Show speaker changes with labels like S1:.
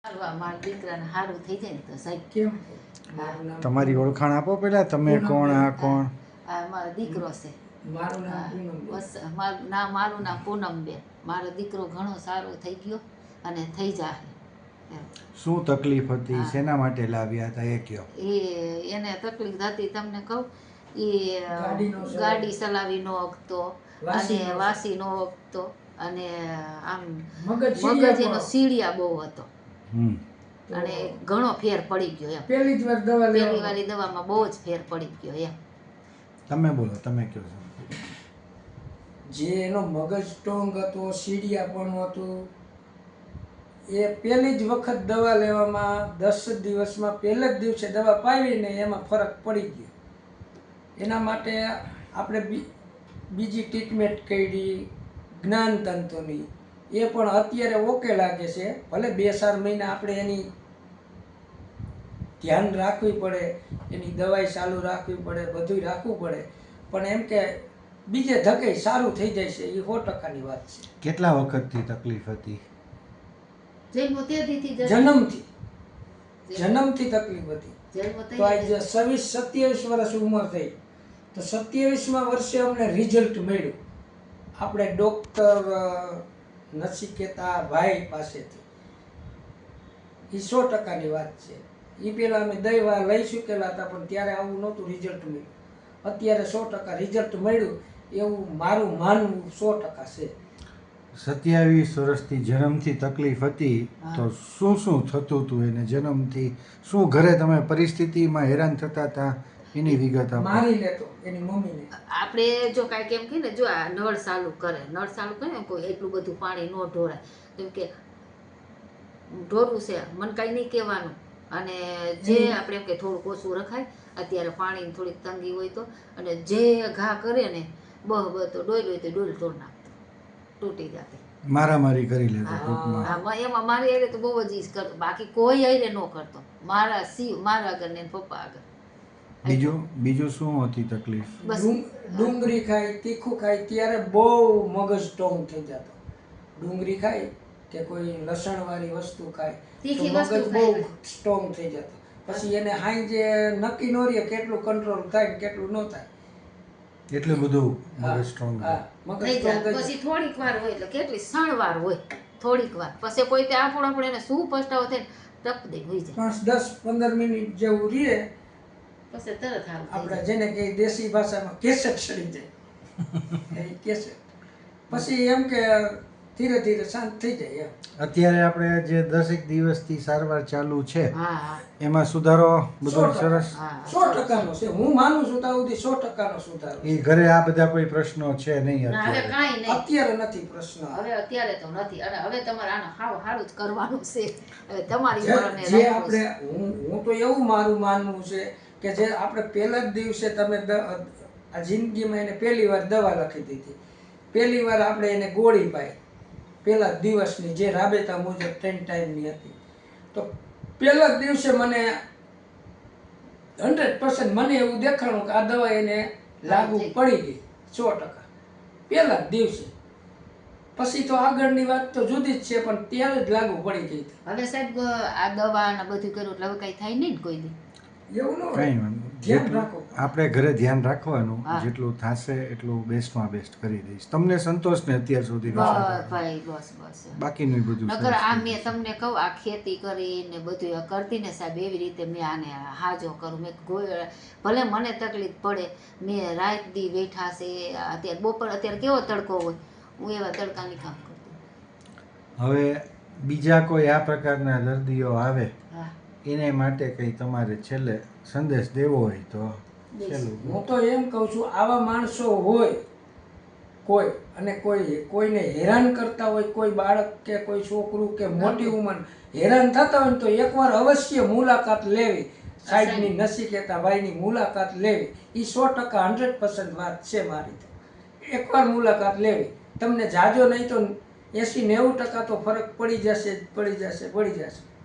S1: મારા દીકરાને સારું થઈ જાય ને તો સાહેબ
S2: કેમ
S3: તમારી ઓળખાણ આપો પેલા, તમે કોણ, આ કોણ?
S1: આ મારો દીકરો છે.
S2: મારું નામ પૂનમ.
S1: બસ મારું નામ પૂનમબેન. મારો દીકરો ઘણો સારો થઈ ગયો અને થઈ જાહે.
S3: શું તકલીફ હતી, શેના માટે લાવ્યા હતા એ કયો?
S1: એને તકલીફ હતી તમને કહું, એ
S2: ગાડી
S1: ગાડી ચલાવી ન શકતો અને વાસી ન શકતો અને આમ મગજ એનો સીડિયા બહુ હતો અને ઘણો ફેર પડી ગયો એમ.
S2: પહેલી જ વાર દવા
S1: પહેલી વાળી દવામાં બહુ જ ફેર પડી ગયો એમ.
S3: તમે બોલો, તમે કયો છો.
S2: જે એનો મગજ સ્ટ્રોંગ હતો, સીડિયાપણું હતું, એ પહેલી જ વખત દવા લેવામાં 10 દિવસમાં પહેલા જ દિવસે દવા પાવીને એમાં ફરક પડી ગયો. એના માટે આપણે બીજી ટ્રીટમેન્ટ કરી જ્ઞાનતંતુની, એ પણ અત્યારે ઓકે લાગે છે. ભલે 2-4 મહિના આપણે એની ધ્યાન રાખવી પડે, એની દવાઈ ચાલુ રાખવી પડે, બધું રાખવું પડે, પણ એમ કે બીજે ધકે સારું થઈ જાય છે, એ 100%ની વાત છે.
S3: કેટલા વખતથી તકલીફ હતી?
S2: જન્મથી તકલીફ હતી. તો આજે 26-27 વર્ષ ઉંમર થઈ, તો 27મા વર્ષે અમને રિઝલ્ટ મળ્યું આપણે ડૉક્ટર નચિકેતા ભાઈ પાસેથી. એ 100%ની વાત છે. એ પહેલાં અમે દવા લઈ ચૂકેલા હતા, પણ ત્યારે આવું નહોતું રિઝલ્ટ મળ્યું. અત્યારે 100% રિઝલ્ટ મળ્યું એવું મારું માનવું 100% છે.
S3: 27 વર્ષથી જન્મથી તકલીફ હતી, તો શું શું થતું હતું એને જન્મથી? શું ઘરે તમે પરિસ્થિતિમાં હેરાન થતા હતા એની વિગત આપો.
S2: મારી લેતો એની મમ્મીને.
S1: આપણે જો કાંઈક એમ કહીએ ને, જો આ નળ ચાલુ કરે ને કોઈ એટલું બધું પાણી ન ઢોળાય, કેમ કે ઢોરવું છે મને કાંઈ નહીં કહેવાનું. અને જે આપણે એમ કે થોડુંક ઓછું રખાય, અત્યારે પાણીની થોડીક તંગી હોય તો, અને જે ઘા કરે ને બહ તો ડોલ હોય તો ડોલ તોડ નાખતો, તૂટી જતી.
S3: મારામારી કરી લેતો ટૂંકમાં.
S1: એમાં મારી હારે તો બહુ જ ઈજ કરતો, બાકી કોઈ હારે ન કરતો. મારા આગળ ને પપ્પા આગળ.
S3: બીજું શું હતી તકલીફ?
S2: ડુંગળી ખાય, તીખું ખાય ત્યારે બહુ મગજ સ્ટ્રોંગ થઈ જતો. ડુંગળી ખાય કે કોઈ લસણવાળી વસ્તુ ખાય તો મગજ બહુ સ્ટ્રોંગ થઈ જતો. પછી એને હાંજે નક્કી ન રહે કેટલું કંટ્રોલ થાય ને કેટલું ન થાય.
S3: એટલું બધું મગજ સ્ટ્રોંગ
S1: થઈ જાય. પછી થોડીક વાર હોય એટલે કેટલી સણવાર હોય, થોડીક વાર પછી કોઈ તે આપણે એને શું પસ્તાવો થાય ટપ દે હોઈ જાય.
S2: 10-15 મિનિટ જેવું રહે
S1: પછી તરત
S2: આપણે જેને કે દેશી ભાષામાં કેસેટ ચડી જાય એ કેસેટ. પછી એમ કે ધીરે ધીરે શાંત થઈ જાય એમ.
S3: અત્યારે આપણે જે 10 દિવસથી સારવાર ચાલુ છે એમાં સુધારો બધો સરસ
S2: 100%નો છે. હું માનું છું ત્યાં સુધી 100%નો સુધારો.
S3: એ ઘરે આ બધા કોઈ પ્રશ્નો છે નહીં
S2: અત્યારે નથી પ્રશ્ન.
S1: હવે અત્યારે તો નથી, અને હવે તમારે આને સારું જ કરવાનું છે. હવે તમારી
S2: જે આપણે હું તો એવું મારું માનવું છે કે જે આપણે પહેલા જ દિવસે તમે આ જિંદગીમાં એને પહેલી વાર દવા લખી દીધી, પહેલી વાર આપણે એને ગોળી પાઈ પહેલા દિવસની, જે રાબેતા મુજબ 3 ટાઈમની હતી, તો પહેલા જ દિવસે મને 100% મને એવું દેખાણું કે આ દવા એને લાગુ પડી ગઈ 100%. પહેલા જ દિવસે. પછી તો આગળની વાત તો જુદી જ છે, પણ ત્યારે જ લાગુ પડી ગઈ.
S1: હવે સાહેબ આ દવા ને બધું કર્યું એટલે હવે કઈ થાય નહીં ને કોઈ દી.
S2: એવું ન
S3: કઈ આપણે ઘરે ધ્યાન રાખવાનું, જેટલું થશે એટલું બેસ્ટમાં બેસ્ટ કરી દઈશ. તમને સંતોષ ને અત્યાર સુધી?
S1: ભાઈ બસ
S3: બાકીનું બધું
S1: નકર આ મેં તમને કહું, આ ખેતી કરીને બધું કરતી ને સાહેબ, એવી રીતે મેં આને હાજો કરું. મેં ભલે મને તકલીફ પડે, મેં રાત દી બેઠા છે. અત્યારે બપોર અત્યારે કેવો તડકો હોય, હું એવા તડકાની કામ કરતી.
S3: હવે બીજા કોઈ આ પ્રકારના દર્દીઓ આવે એને માટે કંઈ તમારે છેલ્લે સંદેશ દેવો હોય તો?
S2: હું તો એમ કહું છું, આવા માણસો હોય કોઈ, અને કોઈને હેરાન કરતા હોય, કોઈ બાળક કે કોઈ છોકરું કે મોટી ઉંમર હેરાન થતા હોય તો એકવાર અવશ્ય મુલાકાત લેવી. સાહેબની નચિકેતા ભાઈની મુલાકાત લેવી એ 100% 100% વાત છે મારી. એકવાર મુલાકાત લેવી, તમને જાજો નહીં તો 80-90% તો ફરક પડી જશે.